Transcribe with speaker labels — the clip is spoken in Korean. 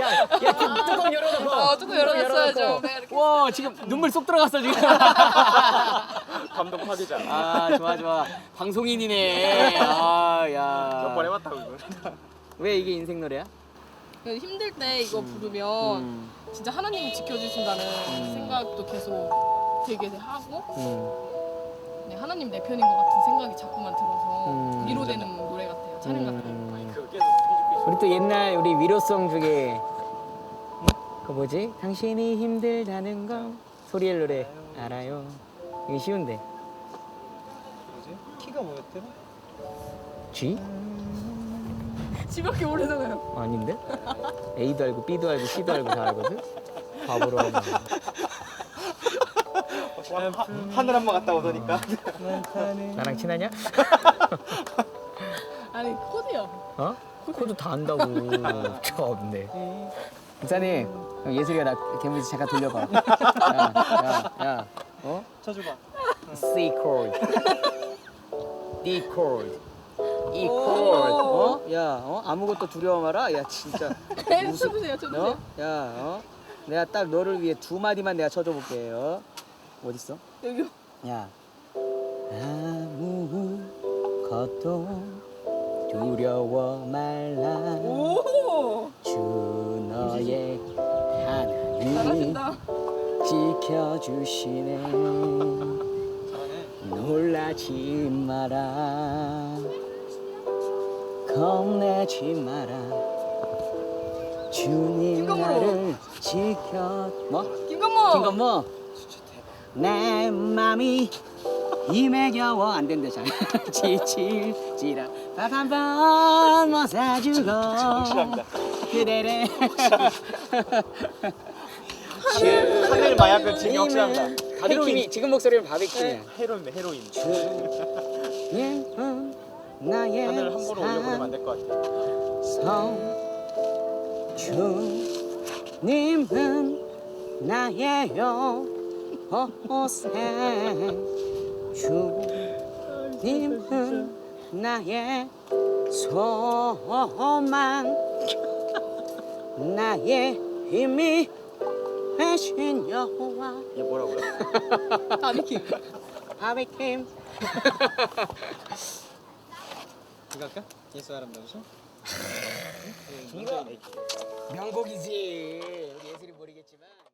Speaker 1: 야, 뚜껑 열어놓고.
Speaker 2: 뚜껑 열어놨어야죠. 네, 이렇게.
Speaker 1: 와, 지금 눈물 쏙 들어갔어 지금.
Speaker 3: 감동 파괴자.
Speaker 1: 아, 좋아. 방송인이네. 아,
Speaker 3: 몇
Speaker 1: 야.
Speaker 3: 번 해봤다고 이거.
Speaker 1: 왜 이게 인생 노래야?
Speaker 2: 힘들 때 이거 부르면 진짜 하나님이 지켜주신다는 생각도 계속 되게 하고 네, 하나님 내 편인 것 같은 생각이 자꾸만 들어서 위로되는 노래 같아요. 찬양 같아요.
Speaker 3: 그 계속 스피드
Speaker 1: 우리 또 옛날 우리 위로송 중에 그 뭐지? 당신이 힘들다는 거 소리엘 노래 알아요. 이게 쉬운데.
Speaker 3: 뭐지? 키가 뭐였더라?
Speaker 1: G?
Speaker 2: 지밖에 모르잖아요.
Speaker 1: 아닌데? A도 알고 B도 알고 C도 알고 다 알거든? 바보로 하면.
Speaker 3: 하늘 한 번 갔다 오더니까.
Speaker 1: 나랑 친하냐?
Speaker 2: 아니 코드요.
Speaker 1: 어? 코드 다 안다고. 없네. 목사님, 예술이가 나 개무지 잠깐 돌려봐. 야, 어?
Speaker 3: 쳐줘봐.
Speaker 1: C chord, D chord, E chord. 어? 야, 아무것도 두려워 마라. 야, 진짜.
Speaker 2: 쳐보세요, 쳐보세요.
Speaker 1: 어? 야, 내가 딱 너를 위해 두 마디만 내가 쳐줘볼게요. 어디 있어?
Speaker 2: 여기요.
Speaker 1: 야, 아무것도 두려워 말라.
Speaker 2: 오,
Speaker 1: 주 너의 하나님
Speaker 2: 잘하신다.
Speaker 1: 지켜주시네. 놀라지 마라, 겁내지 마라. 주님 나를 지켜. 뭐? 김건모. 내 맘이 힘에 겨워 안 된대. 잘 지칠지라 밥 한 번 못 사주고
Speaker 3: 정신합니다.
Speaker 1: 그대를
Speaker 3: 하늘 마약은 지금 확실합니다.
Speaker 1: 바비킴이 지금 목소리는 바비킴이야.
Speaker 3: 헤로인데 헤로인.
Speaker 1: 주님은 나의
Speaker 3: 하늘 함부로 올려보내면 안 될 것 같아.
Speaker 1: 주님은 나의 여호세. 주님은 나의 소망, 나의 힘이 되신 여호와.
Speaker 3: 이게 뭐라고요?
Speaker 2: 바비킴.
Speaker 1: 바비킴.
Speaker 3: 이거 할까? 예수 아름다운 소?
Speaker 1: 이거 명곡이지. 우리 예술이 모르겠지만.